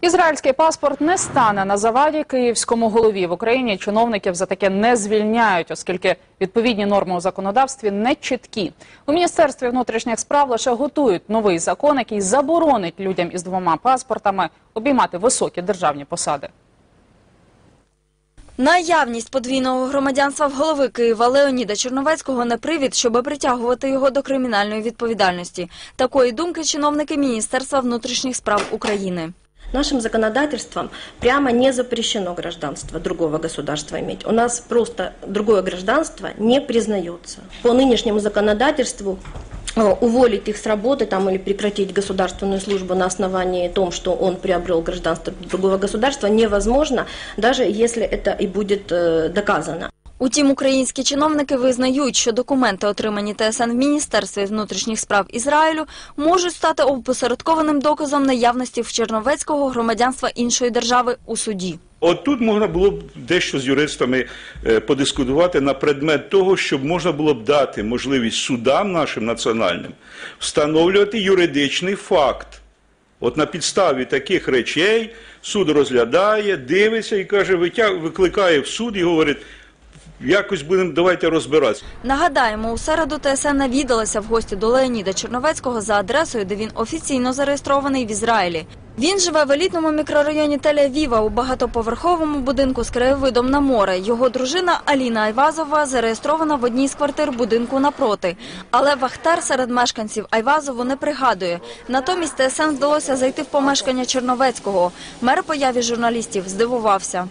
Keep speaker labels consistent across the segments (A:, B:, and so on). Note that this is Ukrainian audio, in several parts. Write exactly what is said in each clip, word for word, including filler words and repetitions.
A: Ізраїльський паспорт не стане на заваді київському голові. В Україні чиновників за таке не звільняють, оскільки відповідні норми у законодавстві не чіткі. У Міністерстві внутрішніх справ лише готують новий закон, який заборонить людям із двома паспортами обіймати високі державні посади.
B: Наявність подвійного громадянства в голови Києва Леоніда Черновецького не привід, щоб притягувати його до кримінальної відповідальності. Такої думки чиновники Міністерства внутрішніх справ України.
C: Нашим законодательством прямо не запрещено гражданство другого государства иметь. У нас просто другое гражданство не признается. По нынешнему законодательству уволить их с работы там, или прекратить государственную службу на основании том, что он приобрел гражданство другого государства, невозможно, даже если это и будет э, доказано.
B: Утім, українські чиновники визнають, що документи, отримані ТСН в Міністерстві внутрішніх справ Ізраїлю, можуть стати опосередкованим доказом наявності в Черновецького громадянства іншої держави у суді.
D: От тут можна було б дещо з юристами подискутувати на предмет того, щоб можна було б дати можливість судам нашим національним встановлювати юридичний факт. От на підставі таких речей суд розглядає, дивиться і каже, викликає в суд і говорить, якось будемо, давайте розбиратися.
B: Нагадаємо, у середу ТСН навідалася в гості до Леоніда Черновецького за адресою, де він офіційно зареєстрований в Ізраїлі. Він живе в елітному мікрорайоні Тель-Авіва у багатоповерховому будинку з краєвидом на море. Його дружина Аліна Айвазова зареєстрована в одній з квартир будинку напроти. Але вахтер серед мешканців Айвазову не пригадує. Натомість ТСН вдалося зайти в помешкання Черновецького. Мер появі журналістів здивувався.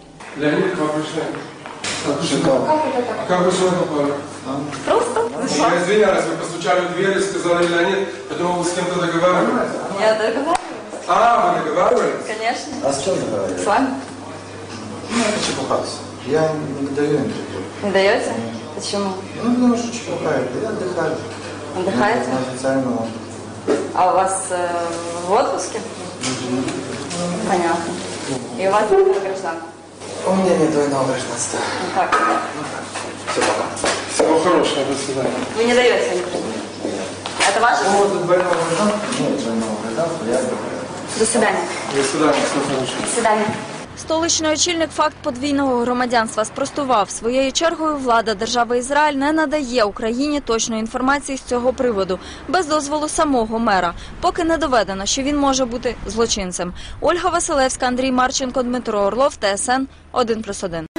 E: Шикарно. А как вы сюда попали?
B: Просто?
E: Я извиняюсь, вы постучали в дверь и сказали Леонид, я думал, вы с кем-то договаривались.
B: Я договаривалась.
E: А, вы договаривались?
B: Конечно.
F: А с чем договаривались?
B: С вами.
F: Ну, это чепухаться. Я не даю интервью.
B: Не даете? Почему?
F: Ну, потому что чепухаю. Я отдыхаю.
B: Отдыхаете?
F: На официальном отдыхе.
B: А у вас э, в отпуске? Понятно. И у вас гражданка?
F: У меня нет двойного гражданства.
B: Ну как?
F: Все, пока.
E: Всего хорошего, до свидания.
B: Вы не даете интервью? Это ваше?
F: Ну, вот двойного гражданства, нет двойного гражданства, я отдыхаю.
B: До свидания.
E: До свидания, всего хорошего.
B: До свидания. Столичний очільник факт подвійного громадянства спростував. Своєю чергою влада держави Ізраїль не надає Україні точної інформації з цього приводу, без дозволу самого мера, поки не доведено, що він може бути злочинцем. Ольга Василевська, Андрій Марченко, Дмитро Орлов, ТСН один плюс один.